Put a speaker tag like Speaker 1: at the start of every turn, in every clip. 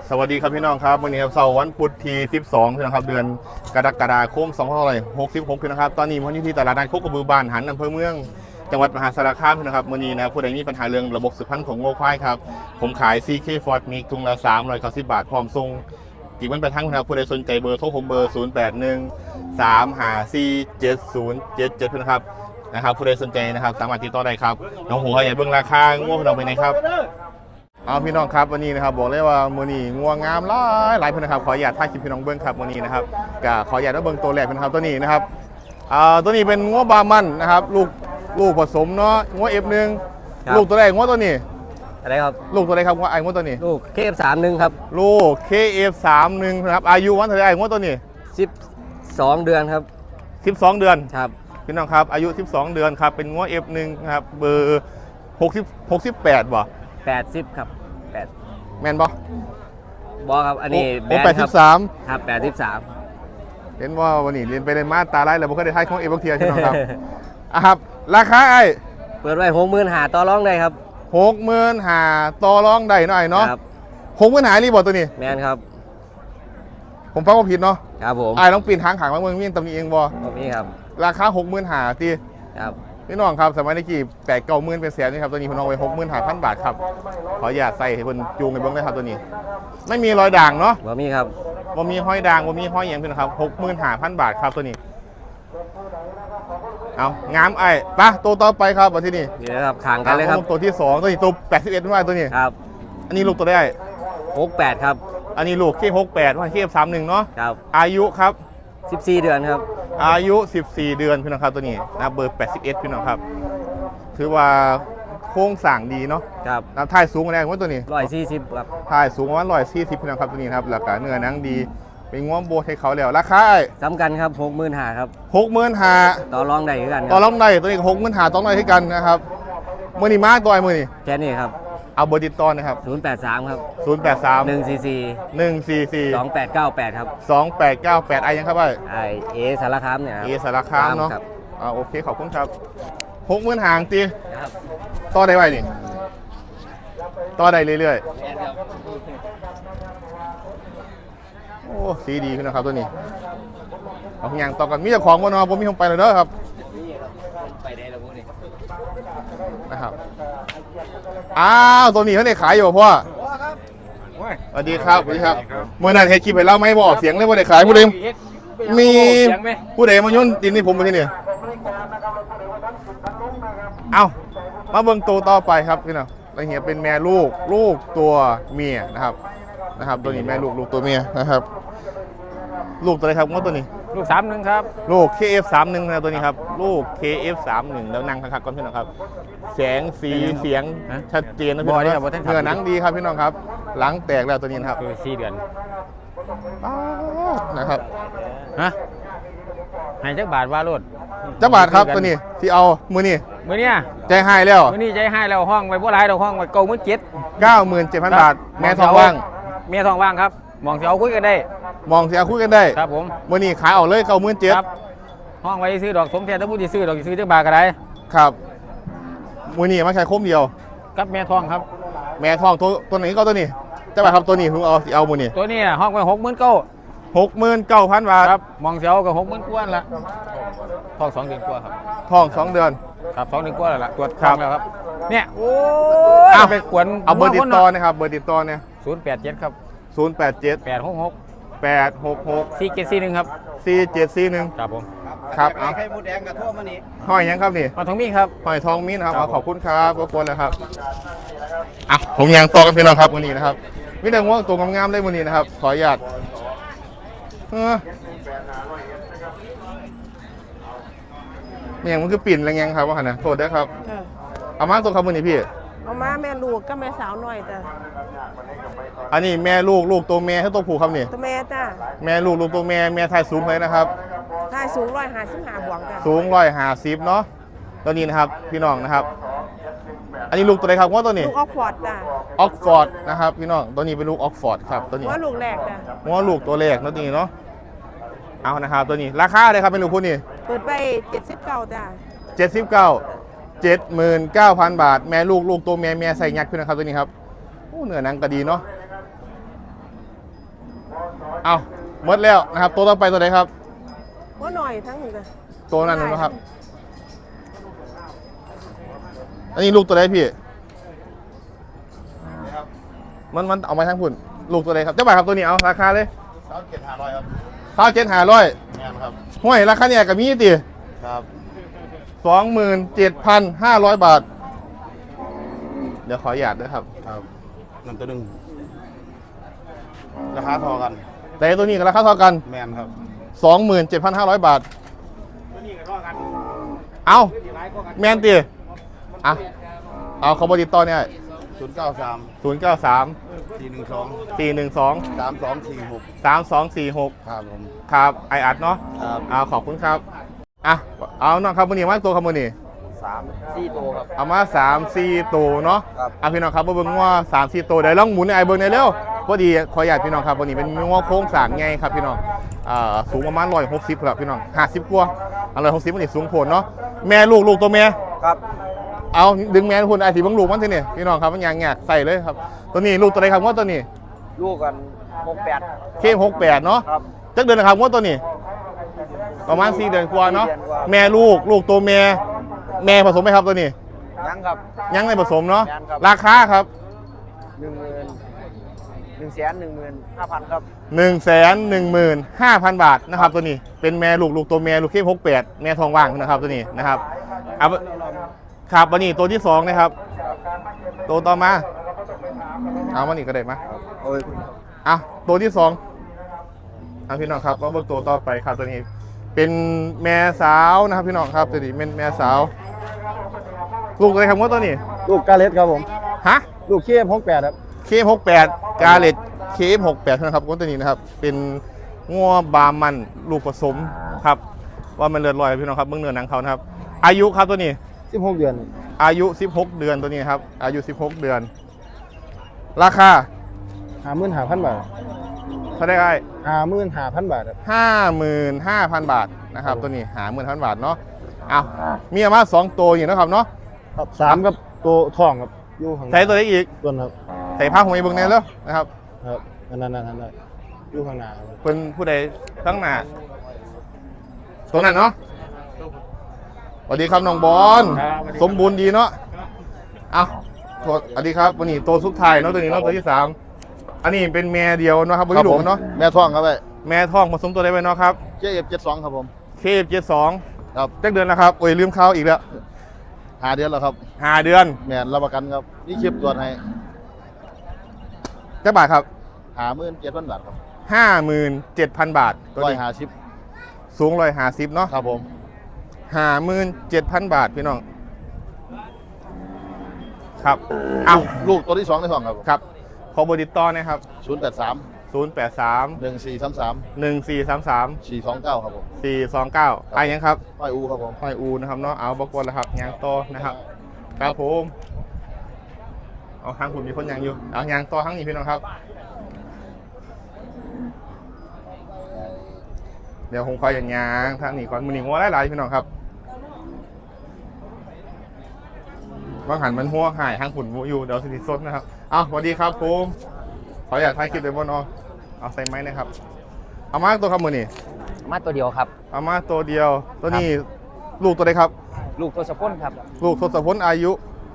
Speaker 1: สวัสดีครับพี่น้องครับวันนี้ครับเสาร์วันพุธที่12พี่น้องครับเดือนกรกฎาคม2566พี่น้องครับตอนนี้ผมอยู่ที่ตลาดนัดโคกระบือบ้านหันอำเภอเมืองจังหวัดมหาสารคามพี่น้องครับวันนี้นะครับผู้ใดมีปัญหาเรื่องระบบสืบพันธุ์ของงัวควายครับผมขาย CK Ford Mix ทุงละ390 บาทพร้อมส่งจีบมันไปทั้งนะครับผู้ใดสนใจเบอร์โทรผมเบอร์0813547077พี่น้องครับผู้ใดสนใจนะครับสามารถติดต่อได้ครับน้องหัวใหญ่เบื้องราคางัวของเราไปไหนครับเอาพี่น้องครับวันนี้นะครับบอกเลยว่ามือนี้งัวงามหลายเพื่อนนะครับขออนุญาตถ่ายคลิปพี่น้องเบิ้งครับวันนี้นะครับก็ขออนุญาตเบิ้งตัวแรกนะครับตัวนี้นะครับตัวนี้เป็นงัวบามันนะครับลูกผสมเนาะงัวF1ลูกตัวแรกงัวตัวนี้
Speaker 2: อะไรครับ
Speaker 1: ลูกตัวไหนครับงัวงัวตัวนี้
Speaker 2: ลูก KF31 ครับ
Speaker 1: ลูก KF31นะครับอายุวันเท่าไหร่งัวตัวนี้
Speaker 2: 12เดือนครับ
Speaker 1: 12เดือน
Speaker 2: ครับ
Speaker 1: พี่น้องครับอายุ12เดือนครับเป็นงัวF1นะครับเบอร์68บ่
Speaker 2: 80ครับ8
Speaker 1: แมนบ่
Speaker 2: ครับอันนี้
Speaker 1: แบนครับ
Speaker 2: ครับ83
Speaker 1: เห็นว่าวันนี้เรียนไปเรียนมาตาไล่แล้วบ่เคยได้ทายของเอฟเทียพี่น้องครับครับราคาไอ้
Speaker 2: เปิดไว้65,000ต่อรองได้ครับ
Speaker 1: 65,000ต่อรองได้หน่อยเนาะ
Speaker 2: ครับ
Speaker 1: 65,000รีบบ่ตัวนี้
Speaker 2: แมนครับ
Speaker 1: ผมฟังว่าผิดเนาะ
Speaker 2: ครับผม
Speaker 1: ไอ้ต้องปีนทางขางมาเมืองมีตำหนิเองบ่
Speaker 2: มีครับ
Speaker 1: ราคา65,000ตี
Speaker 2: ครับ
Speaker 1: พี่น้องครับสมัยนี้กี่8-9,000เป็นแสนนี่ครับตัวนี้ผมเอาไว้65,000 บาทครับขออย่าใส่ให้เพิ่นจูงให้เบิ่งเลยครับตัวนี้ไม่มีรอยด่างเนาะ
Speaker 2: บ่มีครับ
Speaker 1: บ่มีห้อยด่างบ่มีห้อยหยังพี่น้องครับ65,000 บาทครับตัวนี้เอางามไอ้ปะตัวต่อไปครับวันที่นี่
Speaker 2: นี่นะครับขางกันเลยครับ
Speaker 1: ตัวที่2ตัวนี้ตัว81ว่าตัวนี้
Speaker 2: ครับ
Speaker 1: อันนี้ลูกตัวได้
Speaker 2: 68ครับ
Speaker 1: อันนี้ลูก68ว่าKF31เนาะ
Speaker 2: ครับ
Speaker 1: อายุครับ
Speaker 2: 14เดือนครับ
Speaker 1: อายุ14เดือนพี่น้องครับตัวนี้นะเบอร์81พี่น้องครับถือว่าโค้งสร้างดีเนาะ
Speaker 2: ครับ
Speaker 1: แล้วถ่ายสูงอะไรว่าตัวนี้
Speaker 2: 140ครับ
Speaker 1: ถ่ายสูงประมาณ140พี่น้องครับตัวนี้ครับแล้วก็เนื้อหนังดีเป็นง้วโบให้เขาแล้วราคา
Speaker 2: สำคัญครับ65,000ครับ
Speaker 1: 65,000
Speaker 2: ต่อรองได้เหมือนกัน
Speaker 1: ต่อรองได้ตัวนี้65,000ต่อรองได้ให้กันนะครับมือนี้มาตัวไอ้มือนี้
Speaker 2: แค่นี้ครับ
Speaker 1: เอาเบอร์ติดต่อนะครับ
Speaker 2: 083ครับ
Speaker 1: 144
Speaker 2: 2898ครับ
Speaker 1: 2898ไอ้ยังครับ
Speaker 2: ไอสารคามเนี่ย
Speaker 1: สารคามเนาะโอเคขอบคุณครับ60,000ห่างตีต่อได้ไว้นี่ต่อได้เรื่อยๆโอ้สีดีขึ้นนะครับตัวนี้เอาอย่างต่อกันมีเจ้าของบนนอผมมีผมไปเลยเด้อครับ
Speaker 2: ไปได้แล้วพวกนี้
Speaker 1: นะครับอ้าวตัวนี้เขาได้ขายอยู่พ่อสวัสดีครับเมื่อนั้นเฮ็ดคลิปไปเล่าไม่บอกเสียงเลยว่าได้ขายผู้ใดมีผู้ใดมาโยนดินนี่ผมมาที่นี่เอามาเบิ่งตัวต่อไปครับพี่น้องแล้วเฮียเป็นแม่ลูกตัวเมียนะครับตัวนี้แม่ลูกตัวเมียนะครับลูกตัวอะไรครับว่าตัวนี้
Speaker 2: ลูก31ครับ
Speaker 1: ลูก KF31 นะตัวนี้ครับลูก KF31 แล้วนั่งคักๆก่อนพี่น้องครับแสงสีเสียงชัดเจนนะพี่น้องเนื้อหนังดีครับพี่น้องครับหลังแตกแล้วตัวนี้นะครับ
Speaker 2: 4เดือน
Speaker 1: นะครับ
Speaker 2: ให้จักบาทว่าโลด
Speaker 1: จักบาทครับตัวนี้ที่เอามือนี่ใจให้แล้ว
Speaker 2: มือนี่ใจให้แล้วห้องไว้บ่หลายดอกห้องไว้
Speaker 1: 97,000 บาทแม่ทองว่
Speaker 2: างครับมองสิเอาคุยกันได้
Speaker 1: ครับผมมือนี่ขายออกเลย97,000
Speaker 2: ครับห้องไว้ซื้อดอกสมแทนถ้าผู้ที่ซื้อดอกซื้อจักบาทก็ได้
Speaker 1: ครับมือนี่มาแค่คมเดียว
Speaker 2: กับแม่ทองครับ
Speaker 1: แม่ทองตัวไหนก็ตัวนี้จักบาทครับตัวนี้ผมเอามือนี่
Speaker 2: ตัวนี้ห้องไว้
Speaker 1: 69,000 บาท
Speaker 2: ครับมองเสียวกับ60,000กว่าละท้อง2เดือนกว่าครับ
Speaker 1: ท้อง2เดือน
Speaker 2: ครับ2เดือนกว่าแล้วล่ะตรวจท้องแล้วครับเนี่ยโอ้ยไปกวน
Speaker 1: เอาเบอร์ติดต่อนะครับเบอร์ติดต่อเนี่ย
Speaker 2: 087ครับ
Speaker 1: 087 866
Speaker 2: 4741ครับ
Speaker 1: 4741
Speaker 2: ครับผม
Speaker 1: ครับเอา
Speaker 2: ไข่มดแดงกับทั่วมานี่
Speaker 1: ห้อยยังครับนี่
Speaker 2: มาทองมีครับ
Speaker 1: ห้อยทองมีนะครับขอบคุณครับรบกวนนะครับผมยังต่อกันพี่น้องครับวันนี้นะครับวิธีว่าตัวงามๆได้วันนี้นะครับขออนุญาตมันคือปิ่นอะไรเงี้ยครับว่าขนาดโทษด้วยครับเอามาตัวครับวันนี้พี่
Speaker 3: เอามาแม่ลูกก็แม่สาวหน่อยแต่
Speaker 1: อันนี้แม่ลูกตัวแม่ให้ตัวผู้ครับนี่
Speaker 3: ตัวแม่จ้า
Speaker 1: แม่ลูกตัวแม่ไทยสูงเลยนะครับ
Speaker 3: ไทยสูง155บวกจ้ะ
Speaker 1: สูง150เนาะตัวนี้นะครับพี่น้องนะครับอันนี้ลูกตัวไหนครับว่าตัวนี้
Speaker 3: ลูกออกฟอร์ดจ้ะ
Speaker 1: ออกฟอร์ดนะครับพี่น้องตัวนี้เป็นลูกออกฟอร์ดครับตัวนี้
Speaker 3: ว่าลูกแรกจ้ะ
Speaker 1: ว่าลูกตัวแรกตัวนี้เนาะเอานะครับตัวนี้ราคาเลยครับเป็นลูกคู่นี้
Speaker 3: เปิดไป79จ้ะ
Speaker 1: 79,000 บาทแม่ลูกตัวแม่ใส่ยักษ์พี่นะครับตัวนี้ครับโอ้เนื้อหนังก็ดีเนาะเอาหมดแล้วนะครับตัวต่อไปตัวไหนครับ
Speaker 3: ว่าหน่อยทั้งหนึ่งจ้ะ
Speaker 1: ตัวนั้นนะครับอันนี้ลูกตัวไหนพี่มันเอามาทั้งพุ่นลูกตัวไหนครับเจ้าบ่าวครับตัวนี้เอาราคาเลย
Speaker 4: 27,500ครับ
Speaker 1: 27,500
Speaker 4: แม่นครับ
Speaker 1: ห้วยราคาเนี่ยกับมีติ
Speaker 4: ครับ
Speaker 1: 27,500 บาท เดี๋ยวขอหยาดด้วยครับ
Speaker 4: ครับนั่นตัวหนึงราคาเทอกัน
Speaker 1: แต่ตัวนี้กับราคาเท่ากัน
Speaker 4: แม่นครับ
Speaker 1: 27,500 บาท เอาแมนตีอ่ะเอาเขาบติดต่อเนี่ย
Speaker 4: 093
Speaker 1: 093
Speaker 4: 412
Speaker 1: 412
Speaker 4: 3246
Speaker 1: 3246
Speaker 4: ครับผม
Speaker 1: ครับไออัดเนาะ
Speaker 4: ครับ
Speaker 1: เอาขอบคุณครับอ่ะเอาน้องครับมือนี้มาตัวครับมือนี้
Speaker 4: 3-4ตัวครับ
Speaker 1: เอามา3-4ตัวเนาะ
Speaker 4: ครับ
Speaker 1: เอาพี่น้องครับมาเบิ่งว่า3-4ตัวเดี๋ยวลองหมุนในไอเบิ่งในอยเร็วพอดีขออยากพี่น้องครับวันนี้เป็นงอโค้งสร้างไงครับพี่น้องสูงประมาณ160ครับพี่น้อง50กว่า160มันนี่สูงโผล่เนาะแม่ลูกตัวแม่
Speaker 4: ครับ
Speaker 1: เอาดึงแม่คุณไอสีบังลูกมันทีนี่พี่น้องครับมันยางแงกใส่เลยครับตัวนี้ลูกตัวไหนครับว่าตัวนี้
Speaker 4: ลูกกัน68
Speaker 1: เข้ม68เนาะ
Speaker 4: ครับ
Speaker 1: จักเดือนนะครับว่าตัวนี้ ประมาณ4 เดือนกว่าเนาะ
Speaker 4: 4 เดือนกว่า
Speaker 1: แม่ลูกตัวแม่ผสมไหมครับตัวนี้
Speaker 4: ยังครับ
Speaker 1: ยังไม่ผสมเนาะ
Speaker 4: ยังครับ
Speaker 1: ราคาครับ
Speaker 4: 115,000 ครับ
Speaker 1: 115,000 บาทนะครับตัวนี้เป็นแม่ลูกตัวแม่ลูกเข้ม68แม่ทองว่างนะครับตัวนี้นะครับเอาครับวันนี้ตัวที่2นะครับตัวต่อมาเอาวันนี้ก็ได้มา
Speaker 4: โอ้ย
Speaker 1: อ่ะตัวที่2อ่ะพี่น้องครับก็เบิกตัวต่อไปครับตัวนี้ เป็นแม่สาวนะครับพี่น้องครับตัวนี้เป็นแม่สาวลูกอะไรครับว่าตัวนี้
Speaker 4: ลูกกาเลสครับผม
Speaker 1: ฮะ
Speaker 4: ลูกเคียม68ครับ
Speaker 1: KF68 กาเลต KF68 นะครับว่าตัวนี้นะครับเป็นงัวบามันลูกผสมครับว่ามันเลือดลอยพี่น้องครับเบื้องเนื้อหนังเขานะครับอายุครับตัวนี้
Speaker 4: 16 เดือน
Speaker 1: อายุ16 เดือนตัวนี้ครับอายุ16 เดือน ราคา
Speaker 4: 55,000 บาท
Speaker 1: เท่าได้ไอ้
Speaker 4: 55,000 บาทครับ
Speaker 1: 55,000 บาทนะครับตัวนี้50,000 บาทเนาะเอามีประมาณ2ตัวอยู่นะครับเนาะ
Speaker 4: ครับ3กับตัวทองครับอยู่ข้างห
Speaker 1: ใช้ตัวไหนอีก
Speaker 4: ต้นครับ
Speaker 1: ใส่ผ้าหัวไอ้เบิ้งแน่แล้วนะครับ
Speaker 4: ครับนั่นอยู่ข้างหน้าครับ
Speaker 1: เป็นผู้ใดทั้งหน้าตัวนั้นเนาะสวัสดีครับน้องบอลสมบูรณ์ดีเนาะเอาสวัสดีครับวันนี้ตัวสุดท้ายเนาะตัวนี้เนาะตัวที่3อันนี้เป็นแม่เดียวเนาะครับวันนี้หลวงเนาะ
Speaker 4: แม่ทองครับไป
Speaker 1: แม่ท้องผสมตัวได้ไปเนาะครับ
Speaker 4: JF72 ครับผม
Speaker 1: KF72
Speaker 4: ครับ
Speaker 1: จักเดือนนะครับโอ้ยลืมเขาอีกแล้ว
Speaker 4: 5 เดือนแล้วครับ
Speaker 1: 5 เดือน
Speaker 4: แม่นรับประกันครับนี่คลิปตรวจให้
Speaker 1: จักบาทครับ
Speaker 4: 57,000 บาทครับ
Speaker 1: 57,000 บาทตัวนี้
Speaker 4: 150
Speaker 1: สูง150เนาะ
Speaker 4: ครับผม
Speaker 1: 57,000 บาทพี่น้องครับเอา
Speaker 4: ลูกตัวที่2ในท้องครับผม
Speaker 1: ครับขอเบอร์ติดต่อนะครับ
Speaker 4: 083
Speaker 1: 083
Speaker 4: 1433
Speaker 1: 1433
Speaker 4: 429ครับผม
Speaker 1: 429ไปยังครับ
Speaker 4: ห้อยอูครับผม
Speaker 1: หอยอูนะครับเนาะเอาบกวนแล้วครับยางโตนะครับครับผมเอาทางคุณมีคนยางอยู่เอายางโตทั้งนี้พี่น้องครับ เดี๋ยวผมคอยอย่างยางทางนี้ก่อนมือหนีหัวหลายๆพี่น้องครับบางหันมันหัวหายทางขุนอยู่เดี๋ยวสิสดนะครับเอาสวัสดีครับผมขออยากถ่ายคลิปเลยบนเอาใส่ไม้นะครับเอามาตัวครับมือนี่
Speaker 5: มาตัวเดียวครับ
Speaker 1: เอามาตัวเดียวตัวนี้ลูกตัวใดครับ
Speaker 5: ลูกตัวสะพนครับ
Speaker 1: ลูกทศพลอายุ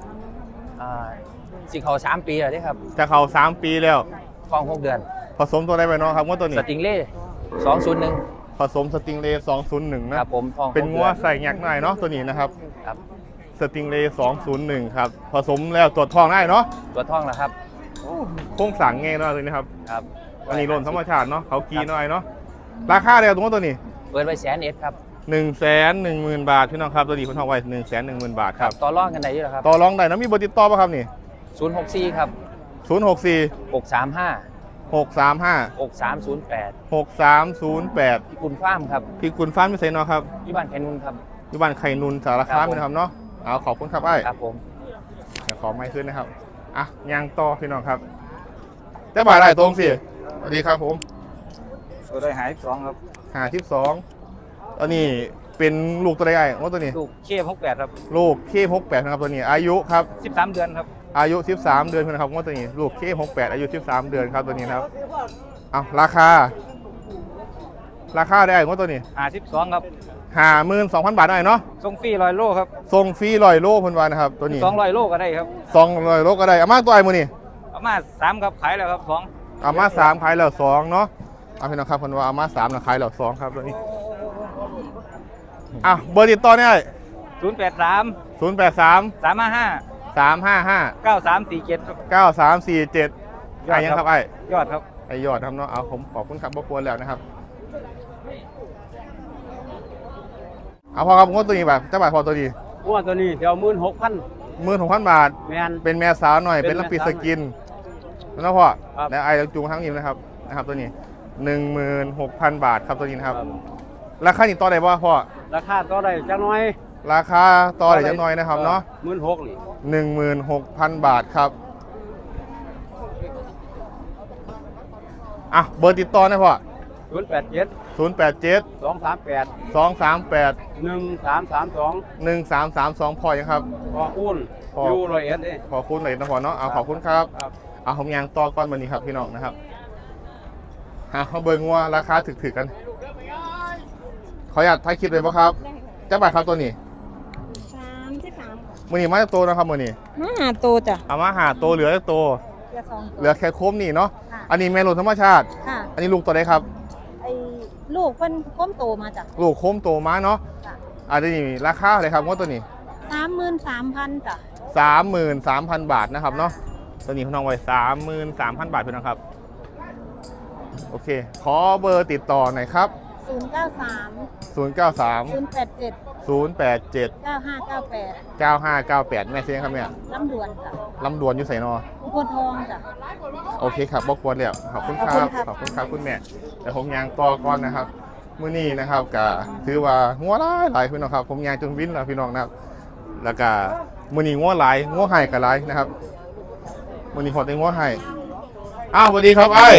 Speaker 5: สิเขา3 ปีแล้วเด้ครับ
Speaker 1: จะเข้า3 ปีแล้ว
Speaker 5: ฟอง6 เดือน
Speaker 1: ผสมตัวใดไปเนาะครับว่าตัวนี้
Speaker 5: สติงเล่201
Speaker 1: ผสมสติงเลย์201นะครับ
Speaker 5: ผมฟอง
Speaker 1: เป็น
Speaker 5: 6
Speaker 1: งัวใส่แงกหน่อยเนาะตัวนี้นะครับ
Speaker 5: ครับ
Speaker 1: สติงเลย์201ครับผสมแล้วตรวจทองได้เนาะ
Speaker 5: ตัวท่องแล้วครับ
Speaker 1: โค้งสั่งไงเนาะตัวนี้ครับ
Speaker 5: ครับ
Speaker 1: อันนี้โลนธรรมชาติเนาะเขากีหน่อยเนาะราคาเดียวตรงตัวนี้
Speaker 5: เปิดไว้100,000ครับ
Speaker 1: 110,000 บาทพี่น้องครับตัวนี้คนทองไว้110,000 บาทครับ
Speaker 5: ต่อรองกันได้อยู่แล้วครับ
Speaker 1: ต่อรองได้นะมีเบอร์ติดต่อป่ะครับนี่
Speaker 5: 064ครับ
Speaker 1: 064
Speaker 5: 635
Speaker 1: 635
Speaker 5: 6308
Speaker 1: 6308
Speaker 5: พี่คุณฟาร์มครับ
Speaker 1: พี่คุณฟ้ามิเซนเนาะครับ
Speaker 5: ที่บ้านแคนุนครับ
Speaker 1: อยู่บ้านไข่นุนสารคามนะครับเนาะเอาขอบคุณครับไอ้
Speaker 5: ครับผม
Speaker 1: เดี๋ยวขอไม้ขึ้นนะครับอ่ะยางต่อพี่น้องครับจะบ่ายได้ตรงสิสวัสดีครับผม
Speaker 4: ตัวได้หาย2ครับ
Speaker 1: 52อันนี้เป็นลูกตัวใดไอ้ว่าตัวนี้
Speaker 5: ลูกเคีย68ครับ
Speaker 1: ลูกเค68นะครับตัวนี้อายุครับ
Speaker 5: 13 เดือนครับ
Speaker 1: อายุ13 เดือนนะครับว่าตัวนี้ลูกเค68อายุ13 เดือนครับตัวนี้นะครับเอาราคาราคาได้งวดตัวนี้
Speaker 5: 52ครับ
Speaker 1: 52,000 บาทได้เนาะ
Speaker 5: ส่งฟรี100โลครับ
Speaker 1: ส่งฟรี100 โลเพิ่นว่านะครับตัวนี้
Speaker 5: 200โลก็ได้ครับ
Speaker 1: 200 โลก็ได้เอามาตัวไอ้มื้อนี้
Speaker 5: เอามา3ครับขายแล้วครับ2
Speaker 1: เอามา3ขายแล้ว2เนาะเอาพี่น้องครับเพิ่นว่าเอามา3แล้วขายแล้ว2ครับตัวนี้อ่ะเบอร์ติดต่อเนี่ย
Speaker 5: 083
Speaker 1: 083
Speaker 5: 355
Speaker 1: 355
Speaker 5: 9347ครับ
Speaker 1: 9347ไอ้ยังครับไอ้
Speaker 5: ยอดครับ
Speaker 1: ไอ้ยอดครับเนาะเอาผมขอบคุณครับบ่ควรแล้วนะครับเอาพอครับงวดตัวนี้แบบจะบาทพอตัวนี้
Speaker 5: ว่าตัวนี้เดี๋ยว16,000
Speaker 1: 16,000 บาท
Speaker 5: แมน
Speaker 1: เป็นแม่สาวหน่อย
Speaker 5: เป็
Speaker 1: เป็น
Speaker 5: น
Speaker 1: ลำปี
Speaker 5: แม่
Speaker 1: ส
Speaker 5: สาว
Speaker 1: กินแล้วพ่อ
Speaker 5: ครับ
Speaker 1: และไอ้จูงทั้งนี้นะครับตัวนี้ 16,000 บาทครับตัวนี้นะครับราคานี่ต่อได้ป่ะพ่อ
Speaker 5: ราคาต่อได้จักหน่อย
Speaker 1: ราคาต่อได้จักหน่อยนะครับเนาะ
Speaker 5: 16,000นี่
Speaker 1: 16,000 บาทครับอ่ะเบอร์ติดต่อนะพ่อ
Speaker 5: 087
Speaker 1: 087
Speaker 5: 238
Speaker 1: 238
Speaker 5: 1332
Speaker 1: 1332พ่อยังครับ
Speaker 5: พออุ่น
Speaker 1: พอ
Speaker 5: อยู่100เด้
Speaker 1: ขอบคุณเลยนะพ่อเนาะเอาขอบคุณครับ
Speaker 5: ครับ
Speaker 1: เอาผมยางต่อก้อนวันนี้ครับพี่น้องนะครับเอาเบิร์งัวราคาถึกๆกันขออยากถ่ายคลิปเลยป่ะครับจะบาทครับตัวนี้
Speaker 3: 33
Speaker 1: มือนี้มาจากตัวนะครับมือนี้
Speaker 3: มาโตจ้ะ
Speaker 1: เอามาหาตัวเหลือตัว
Speaker 3: เรือ2
Speaker 1: เหลือแค่โค้มนี่เนาะ
Speaker 3: ค่ะ
Speaker 1: อันนี้แม่ลูกธรรมชาติ
Speaker 3: ค่ะ
Speaker 1: อันนี้ลูกตัวใดครับ
Speaker 3: ไอ้ลูกเพิ่นก้มโตมาจ้ะ
Speaker 1: ลูกโค้มโตมาเนาะ
Speaker 3: ค่ะ
Speaker 1: อันนี้ราคาอะไรครับงวดตัวนี้
Speaker 3: 33,000จ้ะ
Speaker 1: 33,000 บาทนะครับเนาะตัวนี้พี่น้องไว้33,000 บาทพี่น้องครับโอเคขอเบอร์ติดต่อหน่อยครับ
Speaker 3: 093
Speaker 1: 093
Speaker 3: 087
Speaker 1: 087
Speaker 3: 9598
Speaker 1: 9598 แม่เสียงครับเนี่ย
Speaker 3: ลำดวนจ้ะ
Speaker 1: ลำดวนอยู่ใส่นอ
Speaker 3: อุบลทองจ้ะ
Speaker 1: โอเคครับบอกวนแล้วขอบคุณค
Speaker 3: ข
Speaker 1: รั
Speaker 3: อบบ คุณครับ
Speaker 1: ขอบคุณครับคุณแม่แต่ผมยางต่อก่อนนะครับมื้อนี้นะครับก็ถือว่างัวหลายพี่น้องครับผมยางจนวินแล้วพี่น้องนะครับแล้วก็มื้อนี้งัวหลายงัวไห้ก็หลายนะครับมื้อนี้พอได้งัวไห้อ้าวสวัสดีครับไอ้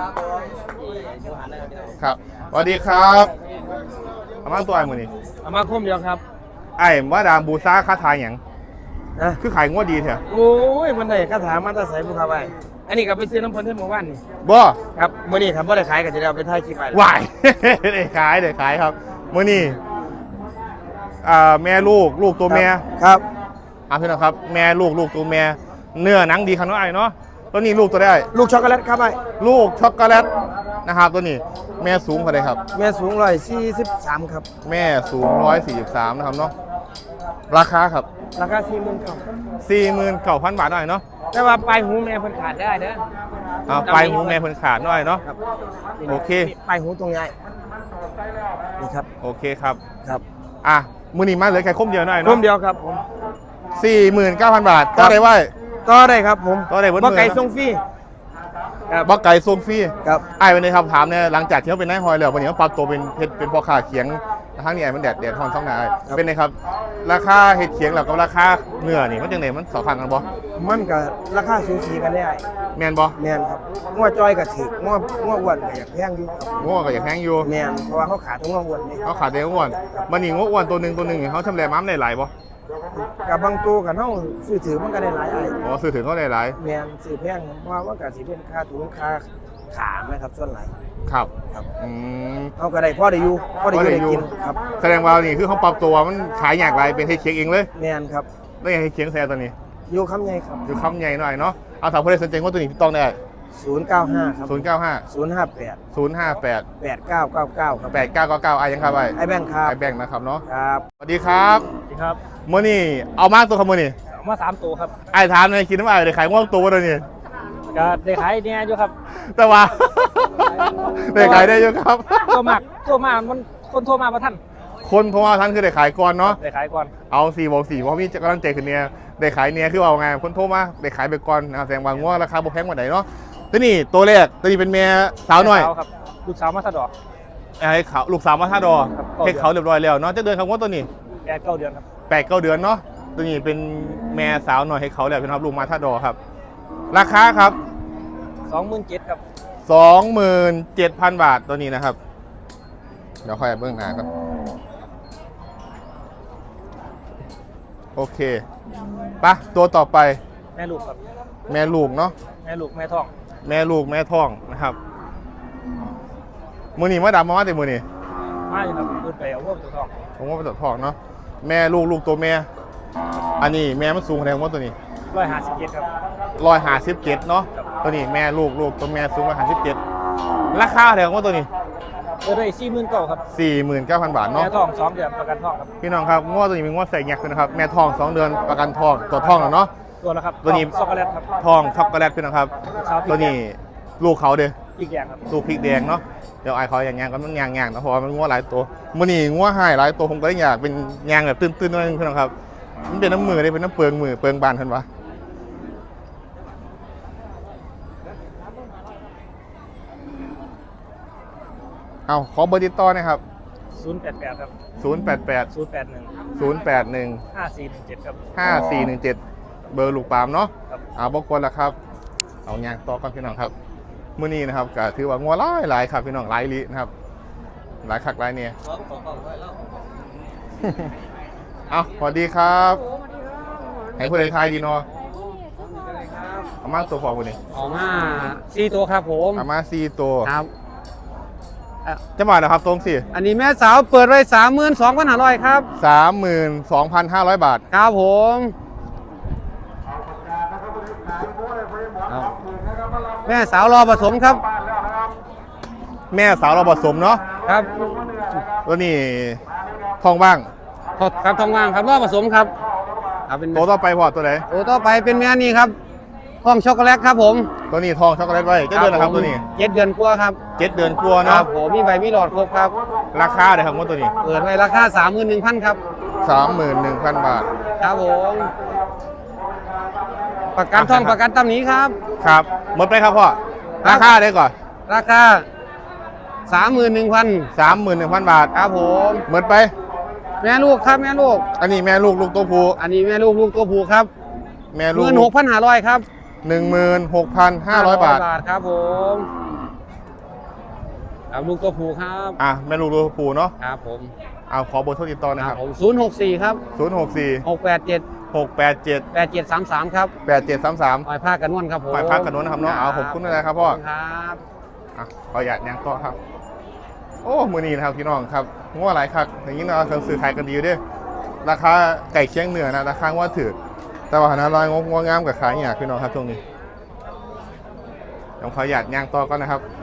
Speaker 1: ครับสวัสดีครับเอามาตัวไอ้มื้อนี้
Speaker 5: เอามาคมเดียวครับ
Speaker 1: ไอ้ว่าดามบูซ่าค่าทายหยัง
Speaker 5: นะ
Speaker 1: คือขายงัวดีเถอะ
Speaker 5: โอ้ยมันได้คาถามาตาใส่ผู้ค้าไปอันนี้ก็ไปซื้อน้ำพันธุ์เทพเมื่อวานนี่
Speaker 1: บ่
Speaker 5: ครับมื้อนี้ทำบ่ได้ขายก็จะได้เอาไปถ่ายคลิปไป
Speaker 1: วาย ได้ขายครับมื้อนี้แม่ลูกตัวแม่
Speaker 5: ครับ
Speaker 1: พี่น้องครับแม่ลูกตัวแม่เนื้อหนังดีขนาดไหนเนาะตัวนี้ลูกตัวได้
Speaker 5: ลูกช็อกโกแลตครับไอ้
Speaker 1: ลูกช็อกโกแลตนะครับตัวนี้แม่สูงเท่าไหร่ครับ
Speaker 5: แม่สูง143ครับ
Speaker 1: แม่สูง143นะครับเนาะราคาครับ
Speaker 5: ราคา40,000ครับ
Speaker 1: 49,000 บาทหน่อยเนาะ
Speaker 5: แต่ว่าปลายหูแม่เพิ่นขาดได้เด้อ
Speaker 1: ไปหูแม่เพิ่นขาดหน่อยเนาะ
Speaker 5: ครับ
Speaker 1: โอเค
Speaker 5: ปลายหูตรงใหญ่นี่ครับ
Speaker 1: โอเคครับ
Speaker 5: ครับ
Speaker 1: มื้อนี้มาเหลือแค่คมเดียวหน่อย
Speaker 5: ร่
Speaker 1: เนาะ
Speaker 5: วมเดียวครับผม
Speaker 1: 49,000 บาทต่อได้ไว้
Speaker 5: ต่อได้ครับผม
Speaker 1: ต่อได้เบิด
Speaker 5: บ่
Speaker 1: มื้อ
Speaker 5: ไก่
Speaker 1: นะ
Speaker 5: ส่งฟรีครับ
Speaker 1: บักไก่ส่งฟรี
Speaker 5: ครับ
Speaker 1: ไอ้วันนี้ครับถามเนี่ยหลังจากที่เขาเป็นนายฮอยแล้ววันนี้เขาปรับตัวเป็นเพชรเป็นพ่อค้าเขียงทั้งนี้ไอ้มันแดดทอนซ่องนายเป็นไงครับราคาเห็ดเขียงแล้วกับราคาเนื้อนี่มันจังไหนมันสอพันกันบ่
Speaker 5: มันก็ราคาสูสีกันได้
Speaker 1: แมนบ่
Speaker 5: แม่นครับงัวจ้อยก็ถืองัวอ้วนก็อยากแพงอยู่ครับ
Speaker 1: ง้อก็อยากแพงอยู่
Speaker 5: แม่นเพราะว่าเขาขาดทั้งงัวอ้วนนี่
Speaker 1: เขาขาดแต่ง้วนมันนี่ง้ออ้วนตัวหนึ่งเขาชำแหละม้ามได้หลายบ่
Speaker 5: กับบางตัวกันเฮาซื้อถือมันก็ได้หลายไอ้
Speaker 1: อ๋อซื้อถึงเขาได้หลาย
Speaker 5: แม่นซื้อแพงเพราะว่ามันก็สิเป็นค่าถุงค่าขาไหมครับส่วนหลาย
Speaker 1: ครับ
Speaker 5: ครับ
Speaker 1: อืม
Speaker 5: เฮาก็ได้พอได้อยู่พอได้อยู่ได้กินครับ
Speaker 1: แสดงว่านี่คือเขาปรับตัวมันขายอยากไรเป็นเห็ดเขียงเองเลย
Speaker 5: แม่นครับ
Speaker 1: แล้วยังเห็ดเขียงแซ่ตัวนี้
Speaker 5: อยู่คำใหญ่ครับ
Speaker 1: อยู่คำใหญ่หน่อยเนาะเอาถามผู้ใดสนใจง้อตัวนี้พี่ต้องได้
Speaker 5: 095ครับ
Speaker 1: 095
Speaker 5: 058
Speaker 1: 058
Speaker 5: 8999ครับ
Speaker 1: 8999ไอ้ยังครับไอ้
Speaker 5: ไอ้แบงค์ครับ
Speaker 1: ไอ้แบงค์นะครับเนาะ
Speaker 5: ครับ
Speaker 1: สวัสดีครับ
Speaker 5: ครับ
Speaker 1: มื่อนี่เอามากตัวครับมื่อนี่
Speaker 5: เอามา3ตัวครับ
Speaker 1: ไอ้ถามในอยคิดว่าไอ้ได้ขายง่วงตัวเลยนี่
Speaker 5: ก็ได้ขายเนี่ยอยู่ครับ
Speaker 1: แต่ว่า ได้ขายได้เยอะครับ
Speaker 5: ตัวมากมันคนโทรมาประท่าน
Speaker 1: คนเพราะว่าท่านคือได้ขายก่อนเนาะ
Speaker 5: ได้ขายก่อน
Speaker 1: เอา4 บอก 4เพราะมีกำลังใจขึ้นเนี่ยได้ขายเนี่ยคือเอาไงคนโทรมาได้ขายไปก่อนนะครับแสดงว่าง่วงราคาบ่แพงกว่าไหนเนาะตัวนี้ตัวแรกตัวนี้เป็นเมียสาวหน่อย
Speaker 5: ครับลูกสาวมาสะดอก
Speaker 1: ไอ้เขาลูกสาวมาท่าดอ
Speaker 5: ครับ
Speaker 1: ให้เขาเรียบร้อยแล้วเนาะจะเดินคำว่าตัวนี้
Speaker 5: 8-9 เดือนครับ
Speaker 1: 8-9 เดือนเนาะตัวนี้เป็นแม่สาวหน่อยให้เขาแล้วเป็นครับลูกมาท่าดอครับ ราคาครับ
Speaker 5: 27,000ครับ
Speaker 1: 27,000 บาทตัวนี้นะครับ เดี๋ยวค่อยเบื้องหน้ากันโอเคปะตัวต่อไป
Speaker 5: แม่ลูกครับ
Speaker 1: แม่ลูกเนาะ
Speaker 5: แม่ลูกแม่ท้อง
Speaker 1: แม่ลูกแม่ท้องนะครับมือนี่มาดำมาแต่มือนี่
Speaker 5: ไม่ครับขึ้นไปเอาพวกตัวทอง
Speaker 1: ผมว่าเป็นตัวทองเนาะแม่ลูกตัวแม่อันนี้แม่มันสูงแรงว่าตัวนี้
Speaker 5: 157ครับ
Speaker 1: 157เนาะตัวนี้แม่ลูกตัวแม่สูง157ราคาแรงว่าตัวนี้
Speaker 5: ตัวได้49,000ครับ
Speaker 1: 49,000 บาท
Speaker 5: แม่
Speaker 1: เนาะ
Speaker 5: ทอง2เดือนประกันทองครับ
Speaker 1: พี่น้องครับง้อตัวนี้เป็นง้อใส่แงกนะครับแม่ทอง2 เดือนประกันทองตัวทองแล้วเนาะ
Speaker 5: ตัวละครับ
Speaker 1: ตัวนี้
Speaker 5: ช็อกโกแลตครับ
Speaker 1: ทองช็อกโกแลตพี่น้องครับ
Speaker 5: สาวพริก
Speaker 1: ตัวนี้ลูกเขาเด้อ
Speaker 5: อีกอย่างครับ
Speaker 1: ลูกพริกแดงเนาะเดี๋ยวไอ้เขาอย่างๆก็มันยางๆนะเพราะว่ามันง้อหลายตัวมือนี่ง้อหายหลายตัวผมก็เลยอยากเป็นยางแบบตื้นๆหน่อยนึงพี่น้องครับมันเป็นน้ำมือได้เป็นน้ำเปลืองมือเปลืองบานเพิ่นวะเอาขอเบอร์ติดต่อหนะครับ
Speaker 5: 088ครับ
Speaker 1: 088
Speaker 5: 081
Speaker 1: 081
Speaker 5: 5417ครับ
Speaker 1: 5417 เบอร์ลูกปามเนาะ
Speaker 5: ครับ
Speaker 1: เอาบอกคนละครับเอายางต่อกันพี่น้องครับมื้อนี้นะครับก็ถือว่างัวหลายครับพี่น้องหลายลินะครับหลายคักหลายเนี่ย เอาสวัสดีครับให้ผู้ใดทายดีเนาะเอามาตัวพอคนนี้
Speaker 2: ออกมา4ตัวครับผม
Speaker 1: เอามา4ตัว
Speaker 2: ครับ
Speaker 1: จะมาแล้วครับตรงสิ
Speaker 2: อันนี้แม่สาวเปิดไว้32,500ครับ
Speaker 1: 32,500 บาท
Speaker 2: ครับผมแม่สาวรอผสมครับ
Speaker 1: แม่สาวเราผสมเนาะ
Speaker 2: ครับ
Speaker 1: ตัวนี้ทองบ้าง
Speaker 2: ครับทองว่างครับรอผสมครับเอาเป็น
Speaker 1: ตัวต่อไปพอตัวไหน
Speaker 2: โอ้ต่อไปเป็นแม่นี่ครับห้องช็อกโกแลตครับผม
Speaker 1: ตัวนี้ทองช็อกโกแลตไว้จะเดือนนะครับตัวนี้
Speaker 2: 7 เดือนกว่าครับ
Speaker 1: 7 เดือนกลัว
Speaker 2: ครั
Speaker 1: เนาะ
Speaker 2: บผมมีใบมีหลอดครบครับ
Speaker 1: ราคาเลยครับว่าตัวนี้
Speaker 2: เปิดไว้ราคา 31,000ครับ
Speaker 1: 31,000 บาท
Speaker 2: ครับผมประกันท่องประกันตำหนี้ครับ
Speaker 1: ครับหมดไปครับพ่อ
Speaker 2: ครับ
Speaker 1: ราคาได้ก่อน
Speaker 2: ราคา 31,000
Speaker 1: 31,000 บาท
Speaker 2: ครับผม
Speaker 1: หมดไป
Speaker 2: แม่ลูกครับแม่ลูก
Speaker 1: อันนี้แม่ลูกตัวผู้
Speaker 2: อันนี้แม่ลูกตัวผู้ครับ
Speaker 1: แม่ลูก
Speaker 2: 16,500ครับ
Speaker 1: 16,500 บาท
Speaker 2: ครับผมครับลูกตัวผู้ครับ
Speaker 1: อ่ะแม่ลูกตัวผู้เนาะ
Speaker 2: ครับผม
Speaker 1: เอาขอเบอร์โทรติดต่อนะ
Speaker 2: ค
Speaker 1: ค
Speaker 2: รั
Speaker 1: รั
Speaker 2: บบ ผม064ครับ
Speaker 1: 064
Speaker 2: 687
Speaker 1: 687
Speaker 2: 8733ครับ
Speaker 1: 8733
Speaker 2: ปล่อยผ้ากันนวลครับผม
Speaker 1: ปล่อยพักกันนู้นนะครับเนาะเอาขอบคุณนะครับพ่อ
Speaker 2: ครับ
Speaker 1: อ่ะขออยากยังต่อครับ โอ้มือนี้นะครับพี่น้องครับง้อหลายคักอย่างนี้เราเคยซื้อขายกันดีอยู่เด้วยราคาไก่เคียงเหนือนะราคาว่าถือแต่ว่าหนาลอยงงงามกับขายอย่างพี่น้องครับช่วงนี้ต้องขออยากย่างต่อก่อนนะครับ